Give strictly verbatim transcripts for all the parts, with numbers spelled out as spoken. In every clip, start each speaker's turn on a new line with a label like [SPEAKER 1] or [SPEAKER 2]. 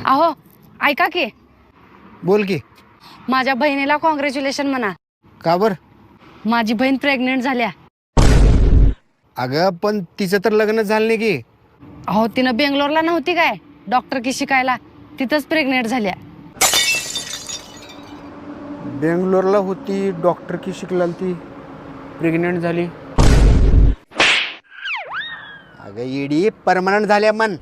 [SPEAKER 1] अहो ऐका की,
[SPEAKER 2] बोल की.
[SPEAKER 1] माझ्या बहिणीला कॉंग्रॅच्युलेशन म्हणा.
[SPEAKER 2] का बर?
[SPEAKER 1] माझी बहीण प्रेग्नेंट झाल्या.
[SPEAKER 2] अगं पण तिचं तर लग्न झालं नाही की.
[SPEAKER 1] अहो तिनं बेंगलोरला नव्हती काय डॉक्टर की शिकायला, तिथंच प्रेग्नेंट झाल्या.
[SPEAKER 2] बेंगलोरला होती, डॉक्टर की शिकला, ती प्रेग्नेंट झाली. अगं येडी परमनंट झाल्या मन.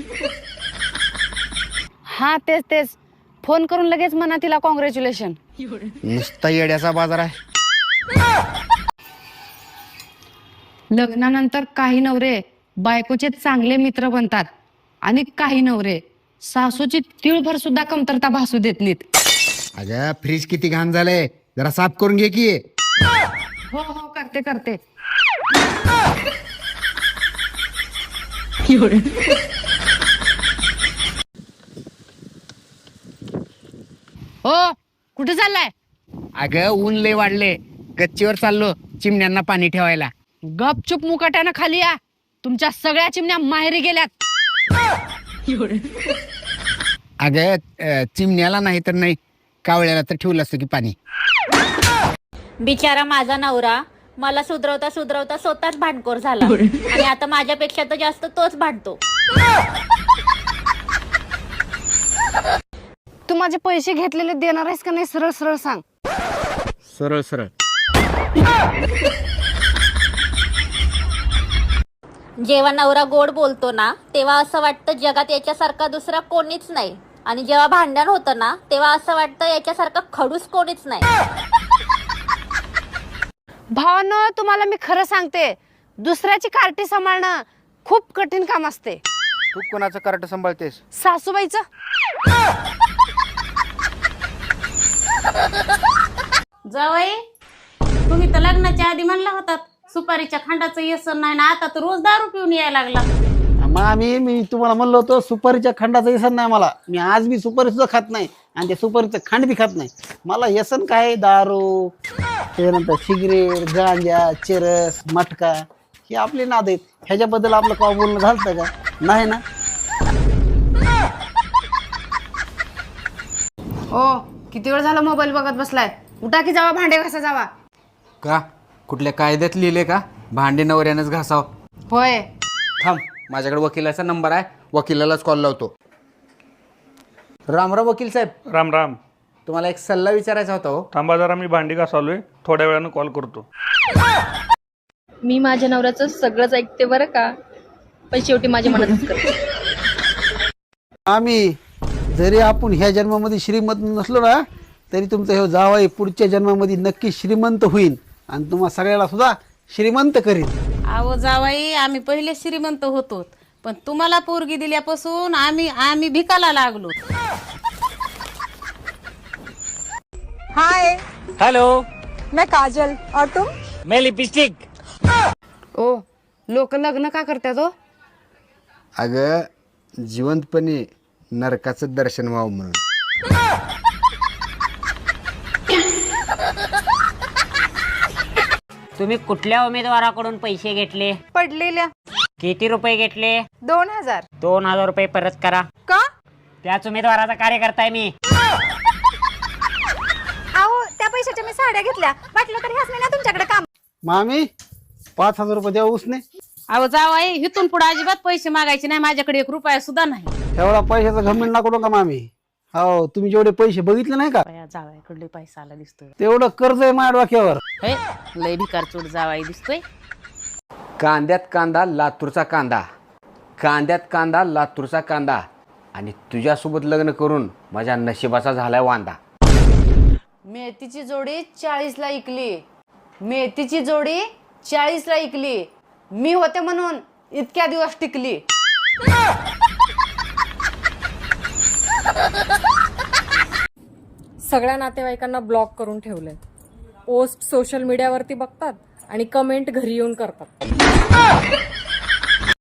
[SPEAKER 1] हा तेच तेच, फोन करून लगेच म्हणा तिला कॉंग्रॅच्युलेशन.
[SPEAKER 2] नुसता येड्याचा बाजार आहे.
[SPEAKER 1] लग्नानंतर काही नवरे बायकोचे चांगले मित्र बनतात आणि काही नवरे सासूची तिळभर सुद्धा कमतरता भासू देत नाहीत.
[SPEAKER 2] अगं फ्रीज किती घाण झालंय, जरा साफ करून घे की.
[SPEAKER 1] हो हो करते करते. हो कुठे चाललाय?
[SPEAKER 2] अगं ऊन लय वाढले, गच्चीवर चाललो चिमण्यांना पाणी ठेवायला.
[SPEAKER 1] गपचूप मुकाट्यानं खाली या, तुमच्या सगळ्या चिमण्या माहेरी गेल्यात.
[SPEAKER 2] अगं अं, चिमण्याला नाही तर नाही, कावळ्याला तर ठेवलं असतं की पाणी.
[SPEAKER 3] बिचारा माझा नवरा मला सुधरवता सुधरवता स्वतःच भांडखोर झाला आणि आता माझ्यापेक्षा तर जास्त तोच भांडतो.
[SPEAKER 1] तू माझे पैसे घेतलेले देणार आहेस का नाही, सरळ सरळ सांग.
[SPEAKER 2] सरळ सरळ.
[SPEAKER 3] जेव्हा नवरा गोड बोलतो ना तेव्हा असं वाटतं जगात याच्यासारखा दुसरा कोणीच नाही, आणि जेव्हा भांडण होतं ना तेव्हा असं वाटतं याच्यासारखा खडूस कोणीच नाही.
[SPEAKER 1] भावानो तुम्हाला मी खरं सांगते, दुसऱ्याची कार्टी सांभाळणं खूप कठीण काम असते.
[SPEAKER 2] तू कोणाचं कार्ट सांभाळतेस?
[SPEAKER 1] सासूबाईचं.
[SPEAKER 4] जावई, तुम्ही तर लग्नाच्या आधी म्हणला होतात सुपारीच्या खांडाचं व्यसन नाही ना, आता तर रोज दारू पिऊन यायला लागला.
[SPEAKER 5] मामी मी तुम्हाला म्हणलं होतं सुपारीच्या खंडाचं व्यसन नाही मला. मी आज बी सुपारी सुद्धा खात नाही आणि त्या सुपारीचं खंड बी खात नाही. मला व्यसन काय, दारू, त्यानंतर सिगरेट, गांजा, चरस, मटका, हे आपले नाद आहेत. ह्याच्याबद्दल आपलं का बोलणं झालं का? नाही ना.
[SPEAKER 1] ओ किती वेळ झाला मोबाईल बघत बसलाय, उठा की जावा भांडे घासा जावा.
[SPEAKER 2] का कुठल्या कायद्यात लिहिले का भांडे नवऱ्यानंच घासाव?
[SPEAKER 1] होय.
[SPEAKER 2] थांब, माझ्याकडे वकिलाचा नंबर आहे, वकिलालाच कॉल लावतो. राम राम वकील साहेब.
[SPEAKER 6] राम राम.
[SPEAKER 2] तुम्हाला एक सल्ला विचारायचा होता. हो
[SPEAKER 6] थांबा जरा, मी भांडी घासालोय, थोड्या वेळानं कॉल करतो.
[SPEAKER 7] मी माझ्या नवऱ्याचं सगळंच ऐकते बरं का, पण शेवटी माझ्या मनातच करते.
[SPEAKER 5] आम्ही जरी आपण ह्या जन्मामध्ये श्रीमंत नसलो ना, तरी तुमचा हे जावाई पुढच्या जन्मामध्ये नक्की श्रीमंत होईल आणि तुम्हा सगळ्याला सुद्धा श्रीमंत करील.
[SPEAKER 4] अहो जावई, आम्ही पहिले श्रीमंत होतो, पण तुम्हाला पोरगी दिल्यापासून आम्ही आम्ही भिकाला लागलो.
[SPEAKER 8] हाय,
[SPEAKER 9] हेलो,
[SPEAKER 8] मैं काजल और तुम?
[SPEAKER 9] मैं लिपस्टिक.
[SPEAKER 1] ओ लोक लग्न का करतात हो?
[SPEAKER 2] अगं जिवंतपणे नरकाचं दर्शन व्हावं म्हणून.
[SPEAKER 9] तुम्ही कुठल्या उमेदवाराकडून पैसे घेतले?
[SPEAKER 8] पडलेल्या.
[SPEAKER 9] किती रुपये घेतले?
[SPEAKER 8] दोन हजार.
[SPEAKER 9] दोन हजार रुपये परत करा.
[SPEAKER 8] का?
[SPEAKER 9] त्याच उमेदवाराचा कार्यकर्ता आहे मी.
[SPEAKER 8] अहो त्या पैशाच्या मी साड्या घेतल्या, वाटलं तर ह्याच नाही ना तुमच्याकडे काम.
[SPEAKER 5] मामी पाच हजार रुपये द्या उसने.
[SPEAKER 4] अहो जावई, इथून पुढे अजिबात पैसे मागायचे नाही, माझ्याकडे एक रुपया सुद्धा नाही.
[SPEAKER 5] तेवढा पैशाचा घमंड नको नका मामी. हो तुम्ही जेवढे पैसे बघितले नाही का,
[SPEAKER 4] जावयाकडले पैसा आला दिसतोय.
[SPEAKER 5] तेवढं कर्ज आहे माझ्या डोक्यावर.
[SPEAKER 4] हे लय भिकार चोट जावाई दिसतोय.
[SPEAKER 2] कांद्यात कांदा लातूरचा कांदा, कांद्यात कांदा लातूरचा कांदा, आणि तुझ्यासोबत लग्न करून माझ्या नशिबाचा झालाय वांदा.
[SPEAKER 1] मेथीची जोडी चाळीसला इकली, मेथीची जोडी चाळीसला इकली, मी होते म्हणून इतक्या दिवस टिकली.
[SPEAKER 7] सगळ्या नातेवाईकांना ब्लॉक करून ठेवलंय. पोस्ट सोशल मीडियावरती बघतात आणि कमेंट घरी येऊन करतात.